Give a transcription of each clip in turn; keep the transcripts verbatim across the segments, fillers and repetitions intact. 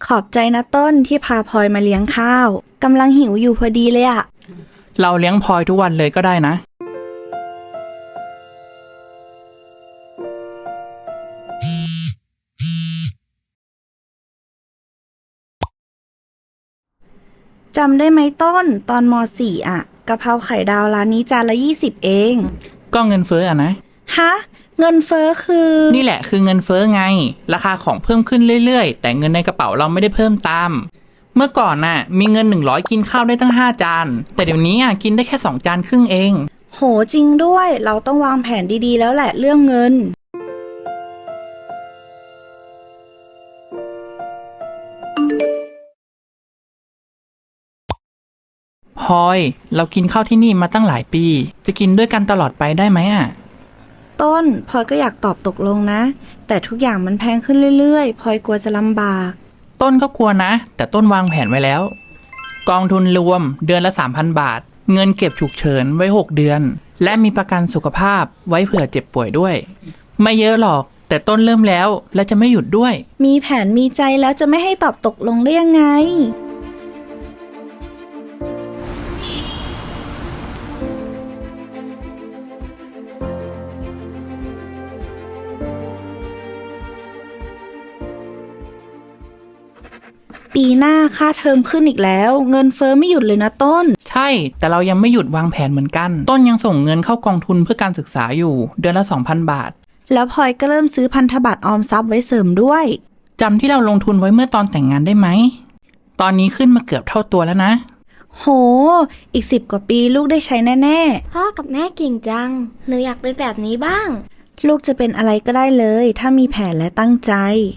ขอบใจนะต้นที่พาพลอยมาเลี้ยงข้าวกำลังหิวอยู่พอดีเลยอะเราเลี้ยงพลอยทุกวันเลยก็ได้นะจำได้ไหมต้นตอนม สี่อะกะเพราไข่ดาวร้านนี้จานละยี่สิบเองก็เงินเฟ้ออะนะฮะเงินเฟ้อคือนี่แหละคือเงินเฟ้อไงราคาของเพิ่มขึ้นเรื่อยๆแต่เงินในกระเป๋าเราไม่ได้เพิ่มตามเมื่อก่อนน่ะมีเงินหนึ่งร้อยกินข้าวได้ตั้งห้าจานแต่เดี๋ยวนี้อ่ะกินได้แค่สองจานครึ่งเองโหจริงด้วยเราต้องวางแผนดีๆแล้วแหละเรื่องเงินพลอยเรากินข้าวที่นี่มาตั้งหลายปีจะกินด้วยกันตลอดไปได้ไหมอ่ะต้นพลอยก็อยากตอบตกลงนะแต่ทุกอย่างมันแพงขึ้นเรื่อยๆพลอยกลัวจะลำบากต้นก็กลัวนะแต่ต้นวางแผนไว้แล้วกองทุนรวมเดือนละ สามพัน บาทเงินเก็บฉุกเฉินไว้หกเดือนและมีประกันสุขภาพไว้เผื่อเจ็บป่วยด้วยไม่เยอะหรอกแต่ต้นเริ่มแล้วและจะไม่หยุดด้วยมีแผนมีใจแล้วจะไม่ให้ตอบตกลงได้ยังไงปีหน้าค่าเทอมขึ้นอีกแล้วเงินเฟ้อไม่หยุดเลยนะต้นใช่แต่เรายังไม่หยุดวางแผนเหมือนกันต้นยังส่งเงินเข้ากองทุนเพื่อการศึกษาอยู่เดือนละ สองพัน บาทแล้วพลอยก็เริ่มซื้อพันธบัตรออมทรัพย์ไว้เสริมด้วยจำที่เราลงทุนไว้เมื่อตอนแต่งงานได้ไหมตอนนี้ขึ้นมาเกือบเท่าตัวแล้วนะโหอีกสิบกว่าปีลูกได้ใช้แน่ๆพ่อกับแม่เก่งจังหนูอยากเป็นแบบนี้บ้างลูกจะเป็นอะไรก็ได้เลยถ้ามีแผนและตั้งใจ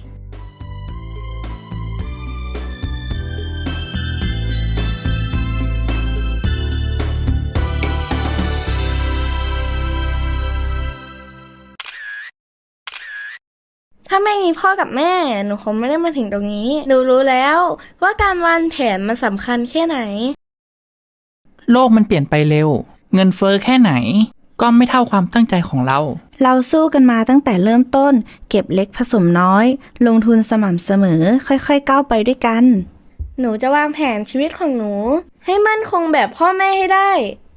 ถ้าไม่มีพ่อกับแม่หนูคงไม่ได้มาถึงตรงนี้หนูรู้แล้วว่าการวางแผนมันสำคัญแค่ไหนโลกมันเปลี่ยนไปเร็วเงินเฟ้อแค่ไหนก็ไม่เท่าความตั้งใจของเราเราสู้กันมาตั้งแต่เริ่มต้นเก็บเล็กผสมน้อยลงทุนสม่ำเสมอค่อยๆก้าวไปด้วยกันหนูจะวางแผนชีวิตของหนูให้มั่นคงแบบพ่อแม่ให้ได้